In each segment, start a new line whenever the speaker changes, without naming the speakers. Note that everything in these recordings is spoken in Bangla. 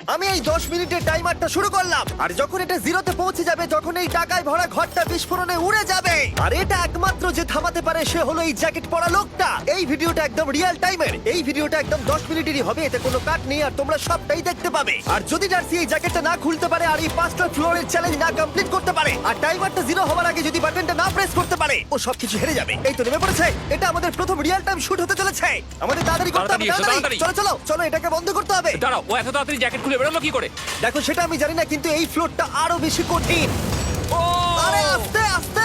আমি এই 10 মিনিটের টাইমারটা শুরু করলাম, আর যখন এটা জিরোতে পৌঁছে যাবে তখন এই টাকায় ভরা ঘরটা বিস্ফোরণে উড়ে যাবে। আর এটা একমাত্র যে থামাতে পারে সে হলো এই জ্যাকেট পরা লোকটা। এই ভিডিওটা একদম রিয়েল টাইমের, এই ভিডিওটা একদম 10 মিনিটেরই হবে, এতে কোনো কাট নেই আর তোমরা সবটাই দেখতে পাবে। আর যদি ডার্সি এই জ্যাকেটটা না খুলতে পারে আর এই 5টা ফ্লোরের চ্যালেঞ্জ না কমপ্লিট করতে পারে আর টাইমারটা জিরো হওয়ার আগে যদি বাটনটা না প্রেস করতে পারে, ও সবকিছু হেরে যাবে। এই তো নেমে পড়েছে, এটা আমাদের প্রথম রিয়েল টাইম শুট হতে চলেছে। আমাদের তাড়াতাড়ি করতে হবে, তাড়াতাড়ি চলো চলো চলো, এটাকে বন্ধ করতে হবে।
দাঁড়াও, ও এত তাড়াতাড়ি জ্যাকেট খুলে বেরোলো কি করে?
দেখো সেটা আমি জানি না, কিন্তু এই ফ্লোরটা আরো বেশি কঠিন।
ও
আরে আস্তে আস্তে।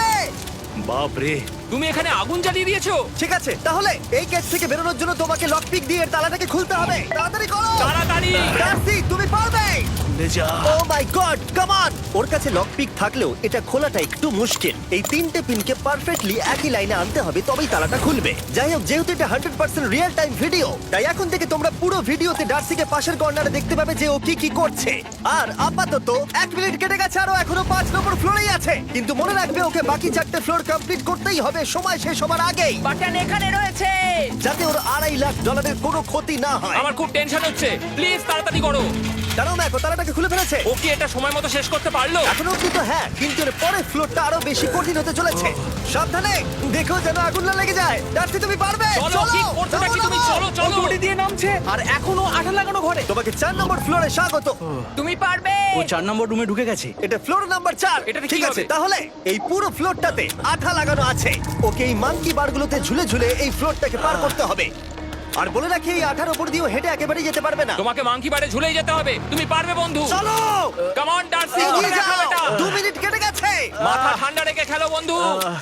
বাপ রে,
তুমি এখানে আগুন জ্বালিয়ে দিয়েছো?
ঠিক আছে, তাহলে এই গেট থেকে বেরোনোর জন্য তোমাকে লক পিক দিয়ে এর তালাটাকে খুলতে হবে। তাড়াতাড়ি করো
তাড়াতাড়ি!
ডার্সি, তুমি পারবে।
লে যা।
ও মাই গড, কাম অন! ওর কাছে লক পিক থাকলেও এটা খোলাটা একটু মুশকিল। এই 3টে পিনকে পারফেক্টলি একই লাইনে আনতে হবে, তবেই তালাটা খুলবে। যাই হোক, যেহেতু এটা 100% রিয়েল টাইম ভিডিও, তাই এখন থেকে তোমরা পুরো ভিডিওতে ডার্সিকে পাশের কর্নারে দেখতে পাবে যে ও কি কি করছে। আর আপাতত 1 মিনিট কেটে গেছে, আরো এখনো 5 নম্বর ফ্লোরেই আছে। কিন্তু মনে রাখবে, ওকে বাকি 4টে ফ্লোর কমপ্লিট করতেই হবে সময় শেষ হবার আগেই,
বাটন এখানে রয়েছে।
যাতে ওর $2.5 লাখ কোনো ক্ষতি না হয়।
আমার খুব টেনশন হচ্ছে, প্লিজ তাড়াতাড়ি করো।
দাঁড়াও, দেখো তালাটাকে খুলে ফেলেছে।
ও কি এটা সময় মতো শেষ করতে পারলো?
এখনো অব্দি তো হ্যাঁ, কিন্তু এর পরের ফ্লোরটা আরো বেশি কঠিন হতে চলেছে। সাবধানে, দেখো যেন আগুন না লেগে যায়। ডার্সি, তুমি পারবে।
চলো, কি করছো নাকি তুমি? চলো চলো।
দড়ি দিয়ে নামছে আর এখনো আঠা লাগানো ঘরে।
তোমাকে 4 নম্বর ফ্লোরে স্বাগত।
তুমি পারবে।
ও 4 নম্বর রুমে ঢুকে গেছে।
এটা ফ্লোর নাম্বার 4।
এটাতে
ঠিক
কি
আছে,
হবে?
তাহলে এই পুরো ফ্লোরটাতে আঠা লাগানো আছে। ওকে এই মাঙ্কি বারগুলোতে ঝুলে ঝুলে এই ফ্লোরটাকে পার করতে হবে। আর বলে রাখি, এই আঠার উপর দিয়েও হেঁটে একেবারেই যেতে পারবে না।
তোমাকে মাংকি বারে ঝুলেই যেতে হবে। তুমি পারবে বন্ধু।
চলো,
কাম অন ডার্সি,
এগিয়ে
দেখো
যাও।
এটা।
2 মিনিট কেটে গেছে।
মাথা ঠান্ডা রেখে খেলো বন্ধু।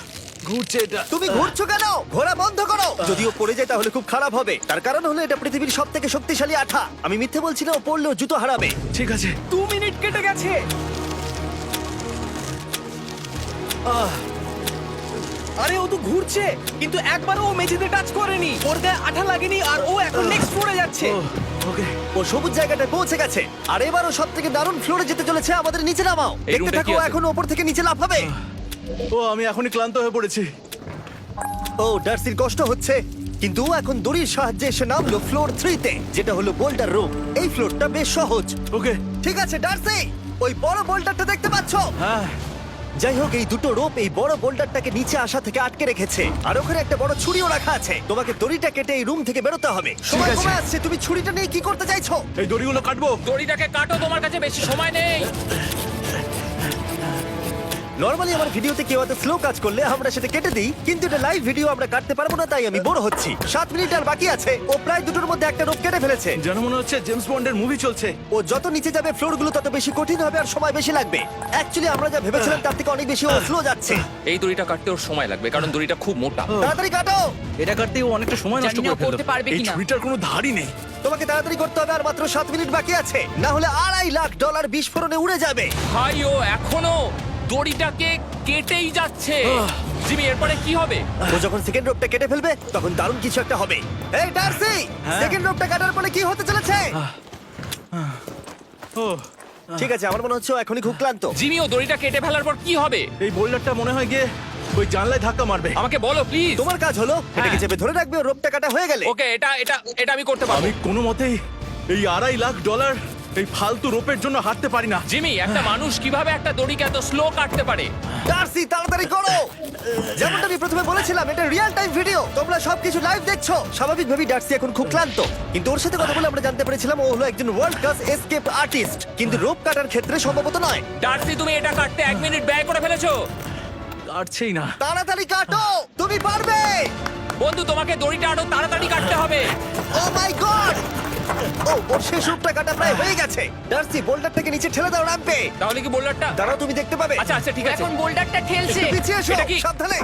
ঘুরছে এটা।
তুমি ঘুরছো কেন? ঘোরা বন্ধ করো। যদিও পড়ে যায় তাহলে খুব খারাপ হবে। তার কারণ হলো এটা পৃথিবীর সবথেকে শক্তিশালী আঠা। আমি মিথ্যে বলছি না, ও পড়লেও জুতো হারাবে।
ঠিক আছে।
2 মিনিট কেটে গেছে। আরে ও তো ঘুরছে, কিন্তু একবারও ও মেঝেতে টাচ করেনি। ওর গায়ে আঠা লাগেনি আর ও এখন নেক্সট ফ্লোরে যাচ্ছে।
ওকে।
ও সবুজ জায়গাটায় পৌঁছে গেছে। আর এবারও সব থেকে দারুণ ফ্লোরে যেতে চলেছে। আমাদের নিচে নামাও।
এই
দেখতে
রুমটা
থাকো,
কি আছে?
এখন ওপর থেকে নিচে লাফাবে।
ও আমি এখনই ক্লান্ত হয়ে পড়েছি।
ও ডার্সির কষ্ট হচ্ছে, কিন্তু ও এখন দড়ির সাহায্যে এসে নামলো ফ্লোর 3-তে, যেটা হলো বোল্টার রুম। এই ফ্লোরটা বেশ সহজ।
ওকে।
ঠিক আছে ডার্সি, ওই বড় বোল্টারটা দেখতে পাচ্ছো?
হ্যাঁ।
যাই হোক, এই দুটো রোপ এই বড় বোল্ডারটাকে নিচে আসা থেকে আটকে রেখেছে। আর ওখানে একটা বড় ছুরিও রাখা আছে। তোমাকে দড়িটা কেটে এই রুম থেকে বেরোতে হবে। সময়
আছে।
কমে আসছে, তুমি ছুরিটা নিয়ে কি করতে চাইছো?
এই দড়িগুলো কাটবো।
দড়িটাকে কাটো, তোমার কাছে বেশি সময় নেই।
নরমালি আমার ভিডিওতে কেউ এত স্লো কাজ করলে আমরা সেটা কেটে দিই, কিন্তু এটা লাইভ ভিডিও, আমরা কাটতে পারবো না, তাই আমি বোর হচ্ছি। 7 মিনিট আর বাকি আছে। ও প্রায় দুটোর মধ্যে একটা রোপ কেটে ফেলেছে।
যেন মনে হচ্ছে জেমস বন্ডের মুভি চলছে।
ও যত নিচে যাবে ফ্লোরগুলো তত বেশি কঠিন হবে আর সময় বেশি লাগবে। অ্যাকচুয়ালি আমরা যা ভেবেছিলাম তার থেকে অনেক বেশি ও স্লো যাচ্ছে।
এই দড়িটা কাটতে ওর সময় লাগবে, কারণ দড়িটা খুব মোটা।
তাড়াতাড়ি কাটো।
এটা কাটতে ও অনেকটা সময় নষ্ট
জানি না
করে ফেললো।
করতে পারবে
এই
কিনা।
ছুরিটার কোনো ধারই নেই।
তোমাকে তাড়াতাড়ি করতে হবে, আর মাত্র 7 মিনিট বাকি আছে, না হলে $2.5 লাখ বিস্ফোরণে উড়ে যাবে।
ভাই, ও এখনো দড়িটাকে কেটেই যাচ্ছে। জিমি, এরপরে কি হবে?
ও যখন সেকেন্ড রোপটা কেটে ফেলবে তখন দারুণ কিছু একটা হবে। এই ডার্সি, সেকেন্ড রোপটা কাটার পরে কি হতে চলেছে?
ও
ঠিক আছে, আমার মনে হচ্ছে ও এখনই খুব ক্লান্ত।
জিমি, ও দড়িটা কেটে ফেলার পর কি হবে?
এই বোল্ডারটা মনে হয় গিয়ে ওই জানলায় ধাক্কা মারবে।
আমাকে বলো প্লিজ।
তোমার কাজ হলো এটাকে চেপে ধরে রাখবে, ও রোপটা কাটা হয়ে গেলে।
ওকে, এটা এটা এটা আমি করতে পারবো।
আমি কোনো মতেই এই $2.5 লাখ এই ফালতু রোপের জন্য হাঁটতে পারি না।
জিমি, একটা মানুষ কিভাবে একটা দড়িকে এত স্লো কাটতে পারে?
ডার্সি, তাড়াতাড়ি করো। যেমনটা আমি প্রথমে বলেছিলাম, এটা রিয়েল টাইম ভিডিও, তোমরা সবকিছু লাইভ দেখছো। স্বাভাবিকভাবেই ডার্সি এখন খুব ক্লান্ত, কিন্তু ওর সাথে কথা বলে আমরা জানতে পেরেছিলাম ও হলো একজন ওয়ার্ল্ড ক্লাস এসকেপ আর্টিস্ট, কিন্তু রোপ কাটার ক্ষেত্রে সম্ভবত নয়।
ডার্সি, তুমি এটা কাটতে 1 মিনিট ব্যয় করে ফেলেছো।
কাটছেই না।
তাড়াতাড়ি কাটো, তুমি পারবে।
বন্ধু, তোমাকে দড়িটা আরো তাড়াতাড়ি কাটতে হবে।
ও মাই গড! ও, ওর শেষ রূপটা কাটা প্রায় হয়ে গেছে। ডার্সি, বোল্ডারটাকে নিচে ঠেলে দাও রাম্পে।
তাহলে কি বোল্ডারটা?
দাঁড়াও, তুমি দেখতে পাবে।
আচ্ছা আচ্ছা, ঠিক আছে।
এখন বোল্ডারটা ঠেলছে।
একটু পিছিয়ে এসো,
এটা কি?
সাবধানে।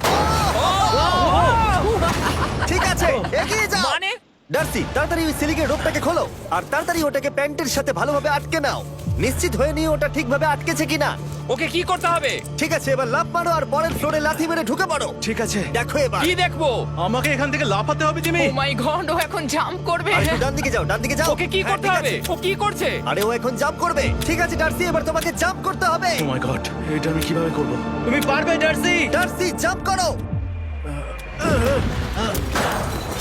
ঠিক আছে, এগিয়ে যাও।
মানে?
ডার্সি, তাড়াতাড়ি ওই সিলিকের রোপটাকে খোলো আর তাড়াতাড়ি ওটাকে প্যান্টের সাথে ভালোভাবে আটকে নাও। নিশ্চিত হয়ে নিয়ে ওটা ঠিকভাবে আটকেছে কিনা।
ওকে কি করতে হবে?
ঠিক আছে, এবার লাফ মারো আর পরের ফ্লোরে লাথি মেরে ঢুকে পড়ো।
ঠিক আছে।
দেখো এবার।
কি দেখবো?
আমাকে এখান থেকে লাফাতে হবে জিমি।
ও মাই গড, ও এখন জাম্প করবে।
আর একটু ডান দিকে যাও, ডান দিকে যাও।
ওকে কি
হ্যাঁ,
করতে
ঠিক
হবে?
আছে।
ও কি করছে?
আরে ও এখন জাম্প করবে। ঠিক আছে ডার্সি, এবার তোমাকে জাম্প করতে হবে।
ও মাই গড, এটা আমি কিভাবে করব? তুমি পারবে ডার্সি।
ডার্সি, জাম্প করো।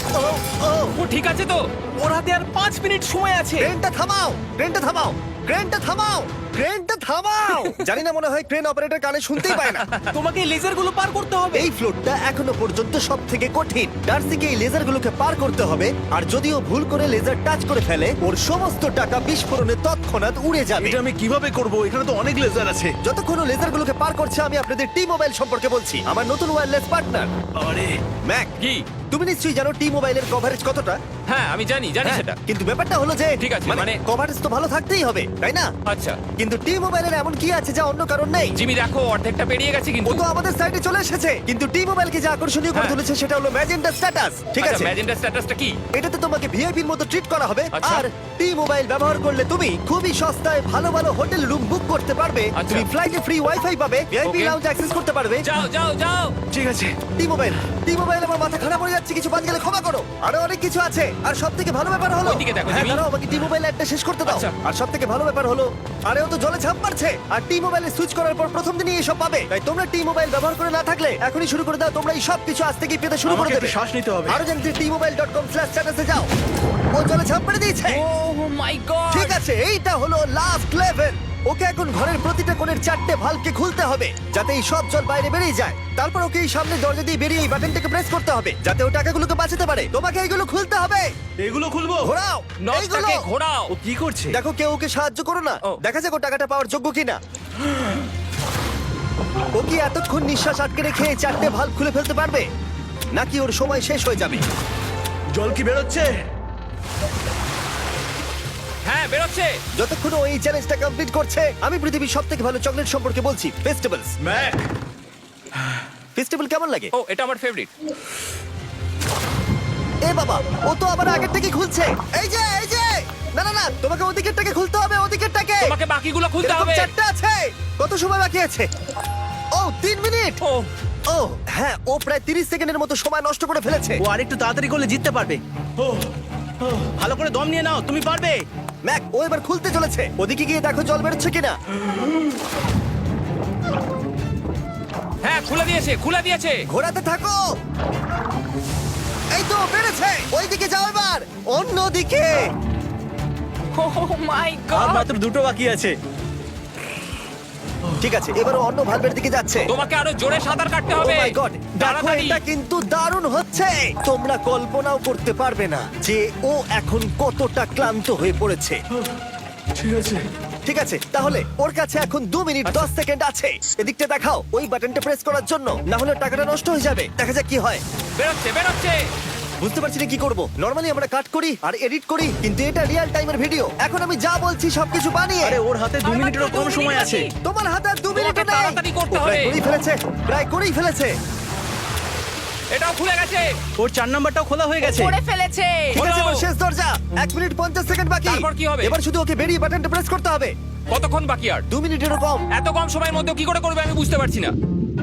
ও ও
ও ঠিক আছে তো?
ওর হাতে আর 5 মিনিট সময় আছে।
ক্রেনটা থামাও, ক্রেনটা থামাও, ক্রেনটা থামাও, ক্রেনটা থামাও। জানি না, মনে হয় ক্রেন অপারেটর কানে শুনতেই পায় না।
তোমাকে এই লেজারগুলো পার করতে হবে।
এই ফ্লোরটা এখনো পর্যন্ত সব থেকে কঠিন। ডার্সিকে এই লেজারগুলোকে পার করতে হবে, আর যদিও ভুল করে লেজার টাচ করে ফেলে, ওর সমস্ত টাকা বিস্ফোরণে তৎক্ষণাৎ উড়ে যাবে।
এটা আমি কিভাবে করব? এখানে তো অনেক লেজার আছে।
যতক্ষণ ও লেজারগুলোকে পার করছে, আমি আপনাদের টি মোবাইল সম্পর্কে বলছি, আমার নতুন ওয়্যারলেস পার্টনার।
আরে
ম্যাক,
কি?
তুমি নিশ্চয়ই জানো টি মোবাইলের কভারেজ কতটা?
হ্যাঁ আমি জানি
হ্যাঁ,
সেটা।
কিন্তু ব্যাপারটা হলো যে
ঠিক আছে,
মানে
মানে
কভারেজ তো ভালো থাকতেই হবে, তাই না?
আচ্ছা
কিন্তু টি মোবাইলের এমন কি আছে যা অন্য কারণ নেই?
জিমি দেখো অর্ধেকটা পেরিয়ে গেছে
ও
কিন্তু।
তো আমাদের সাইডে চলে এসেছে, কিন্তু টি মোবাইলকে যে আকর্ষণীয় করে
হ্যাঁ।
তুলেছে সেটা হলো ম্যাজেন্টা স্ট্যাটাস। ঠিক আছে,
ম্যাজেন্টা স্ট্যাটাসটা কি?
এটাতে তোমাকে ভিআইপির মতো ট্রিট করা হবে।
আচ্ছা।
আর টি মোবাইল ব্যবহার করলে তুমি খুবই সস্তায় ভালো ভালো হোটেল রুম বুক করতে পারবে।
আচ্ছা।
তুমি ফ্লাইটে ফ্রি ওয়াইফাই পাবে, ভিআইপি
Okay.
লাউঞ্জ অ্যাক্সেস করতে পারবে।
যাও যাও যাও।
ঠিক আছে।
টি মোবাইল, টি মোবাইল, আমার মাথা খারাপ হয়ে যাচ্ছে, কিছু বাদ গেলে ক্ষমা করো। আরো অনেক কিছু আছে, আর সবথেকে ভালো ব্যাপার হলো,
ওইদিকে দেখো,
হ্যাঁ
জিমি।
দাঁড়াও, আমাকে টি মোবাইল একটা শেষ করতে দাও।
আচ্ছা।
আর সবথেকে ভালো ব্যাপার হলো, আরে ও তো জলে ঝাঁপ মারছে, আর টি মোবাইলে সুইচ করার পর প্রথম দিনই এসব পাবে। তাই তোমরা টি মোবাইল ব্যবহার করে না থাকলে এখনই শুরু করে দাও। তোমরা এই সব কিছু আজ থেকেই পেতে শুরু করে
আমাকে
দেবে।
একটু শ্বাস নিতে হবে।
আরো জানতে tmobile.com/status এ যাও। ও জলে ঝাঁপ মেরে দিয়েছে।
Oh my god.
ঠিক আছে, এইটা হলো লাস্ট লেভেল। ওকে এখন ঘরের প্রতিটা কোণের 4টে ভালভকে খুলতে হবে, যাতে এই সব জল বাইরে বেরিয়ে যায়। তারপর ওকে এই সামনে দরজা দিয়ে বেরিয়ে এই বাটনটাকে প্রেস করতে হবে, যাতে ও টাকাগুলোকে বাঁচাতে পারে। তোমাকে এইগুলো খুলতে হবে।
এগুলো খুলবো?
ঘোরাও এইগুলো।
নটটাকে ঘোরাও।
ও কি করছে?
দেখো, কেউ ওকে সাহায্য করো না।
ও।
দেখা যাক ও টাকাটা পাওয়ার যোগ্য কিনা। ও কি এতক্ষণ নিঃশ্বাস আটকে রেখে এই 4টে ভালভ খুলে ফেলতে পারবে, নাকি ওর সময় শেষ হয়ে যাবে?
জল কি বেরোচ্ছে?
হ্যাঁ বেরোচ্ছে।
যতক্ষণ ও এই চ্যালেঞ্জটা কমপ্লিট করছে, আমি পৃথিবীর সবথেকে ভালো চকলেট সম্পর্কে বলছি, ফেস্টিভ্যালস।
ম্যাক,
ফেস্টিভ্যাল কেমন লাগে?
ও এটা আমার ফেভারিট।
এ বাবা, ও তো আবার আগেরটাকে খুলছে। এই যে, এই যে, না না না, তোমাকে ওদিকেরটাকে খুলতে হবে, ওদিকেরটাকে।
তোমাকে বাকিগুলো খুলতে
এরকম
হবে।
4টে আছে। কত সময় বাকি আছে? ও 3 মিনিট।
ও
ও হ্যাঁ, ও প্রায় 30 সেকেন্ডের মতো সময় নষ্ট করে ফেলেছে।
ও আরেকটু তাড়াতাড়ি করলে জিততে পারবে। ভালো করে দম নিয়ে নাও, তুমি পারবে।
ম্যাক, ও এবার খুলতে চলেছে। ওদিকে গিয়ে দেখো জল বেরোচ্ছে কিনা।
হ্যাঁ খুলে দিয়েছে, খুলে দিয়েছে।
ঘোরাতে থাকো। এই তো বেড়েছে। ওইদিকে যাও এবার, অন্যদিকে।
ও মাই
আর
গড।
মাত্র 2টো বাকি আছে।
ঠিক আছে, এবার ও অন্য ভালভের দিকে যাচ্ছে।
তোমাকে আরো জোরে সাঁতার কাটতে
ও
হবে।
মাই গড, দেখো
তাড়াতাড়ি।
এটা কিন্তু দারুণ হচ্ছে। তোমরা কল্পনাও করতে পারবে না যে ও এখন কতটা ক্লান্ত হয়ে পড়েছে।
ঠিক আছে।
ঠিক আছে, তাহলে ওর কাছে এখন 2 মিনিট 10 সেকেন্ড আছে। এদিকটা দেখাও, ওই বাটনটা প্রেস করার জন্য, না হলে টাকাটা নষ্ট হয়ে যাবে। দেখা যাক কি হয়।
বেরোচ্ছে বেরোচ্ছে।
বুঝতে পারছি না কি করব। নরমালি আমরা কাট করি আর এডিট করি, কিন্তু এটা রিয়েল টাইমের ভিডিও। এখন আমি যা বলছি সবকিছু বানিয়ে।
আরে ওর হাতে 2
আর
মিনিটেরও
মাত্র
কম
2
সময়
মিনিট
আছে।
বাকি।
তোমার হাতে আর 2 মিনিট
তোমাকে
নেই।
তাড়াতাড়ি করতে
ও প্রায়
হবে।
করেই ফেলেছে, প্রায় করেই ফেলেছে।
এটাও খুলে গেছে।
ওর 4 নাম্বারটাও খোলা হয়ে গেছে।
করে ফেলেছে।
ঠিক আছে,
হলো।
এবার শেষ দরজা। 1 মিনিট 50 সেকেন্ড বাকি।
তারপর কি হবে?
এবার শুধু ওকে বেরিয়ে বাটনটা প্রেস করতে হবে।
কতক্ষণ বাকি আর?
2 মিনিটেরও কম।
এত কম সময়ের মধ্যে কি করে করবে আমি বুঝতে পারছি না।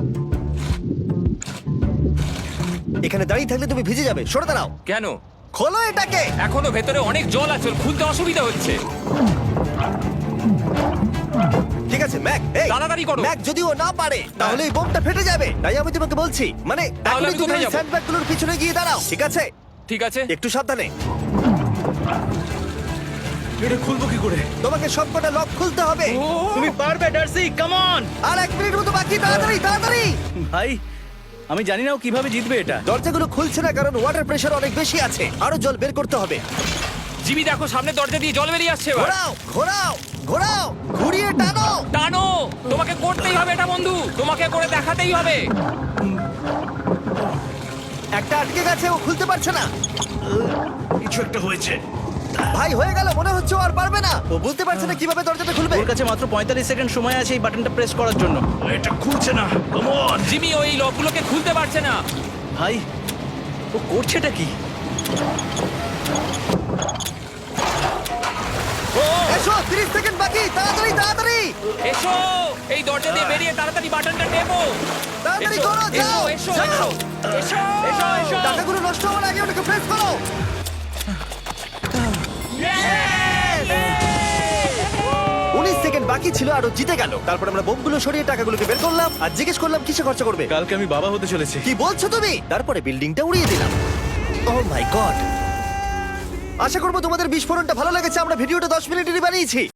এখানে দাঁড়িয়ে থাকলে তুমি ভিজে যাবে, সরে দাঁড়াও।
কেন?
খোলো এটাকে।
এখনো ভেতরে অনেক জল আছে, ওর খুলতে অসুবিধা হচ্ছে।
ঠিক আছে ম্যাক, এই
তাড়াতাড়ি করো।
ম্যাক, যদি ও না পারে তাহলে এই বোমটা ফেটে যাবে। তাই আমি তোমাকে বলছি, মানে
তাহলে
এখনই
আমি
তুমি
কোথায়
ওই
যাবো?
স্যান্ডব্যাগগুলোর পিছনে গিয়ে দাঁড়াও, ঠিক আছে?
ঠিক আছে।
একটু সাবধানে।
এটা খুলবো কি করে?
তোমাকে সবকটা লক খুলতে হবে।
তুমি পারবে ডার্সি, কাম অন।
আর 1 মিনিট মতো বাকি, তাড়াতাড়ি তাড়াতাড়ি।
ভাই আমি জানি না ও কিভাবে জিতবে এটা।
দরজাগুলো খুলছে না কারণ ওয়াটার প্রেশার অনেক বেশি আছে। আরো জল বের করতে হবে।
জিমি দেখো সামনে দরজা দিয়ে জল বেরিয়ে আসছে এবার।
ঘোরাও ঘোরাও ঘোরাও, ঘুরিয়ে টানো।
টানো। তোমাকে করতেই হবে এটা বন্ধু, তোমাকে করে দেখাতেই হবে।
একটা আটকে গেছে, ও খুলতে পারছে না।
কিছু একটা হয়েছে।
ভাই হয়ে গেল, মনে হচ্ছে ও আর পারবে না। ও বুঝতে পারছে না কিভাবে দরজাটা খুলবে।
ওর কাছে মাত্র 45 সেকেন্ড সময় আছে এই বাটনটা প্রেস করার জন্য।
এটা খুলছে না। Come on.
জিমি ওই লকগুলোকে খুলতে পারছে না।
ভাই ও করছেটা কি?
ও
এসো, 30 সেকেন্ড বাকি, তাড়াতাড়ি তাড়াতাড়ি।
এসো, এই দরজা দিয়ে বেরিয়ে তাড়াতাড়ি বাটনটা টেপো।
তাড়াতাড়ি
এসো,
করো, যাও
এসো,
যাও।
এসো, এসো, এসো, এসো।
টাকাগুলো নষ্ট হওয়ার আগে ওটাকে প্রেস করো। 19 সেকেন্ড বাকি ছিল আর ও জিতে গেল। তারপর আমরা বোমগুলো সরিয়ে টাকাগুলোকে বের করলাম আর জিজ্ঞেস করলাম কিসে খরচা করবে।
কালকে আমি বাবা হতে চলেছি।
কি বলছো তুমি? তারপরে বিল্ডিংটা উড়িয়ে দিলাম। ও মাই গড, আশা করবো তোমাদের বিস্ফোরণটা ভালো লেগেছে। আমরা ভিডিওটা 10 মিনিটেরই বানিয়েছি।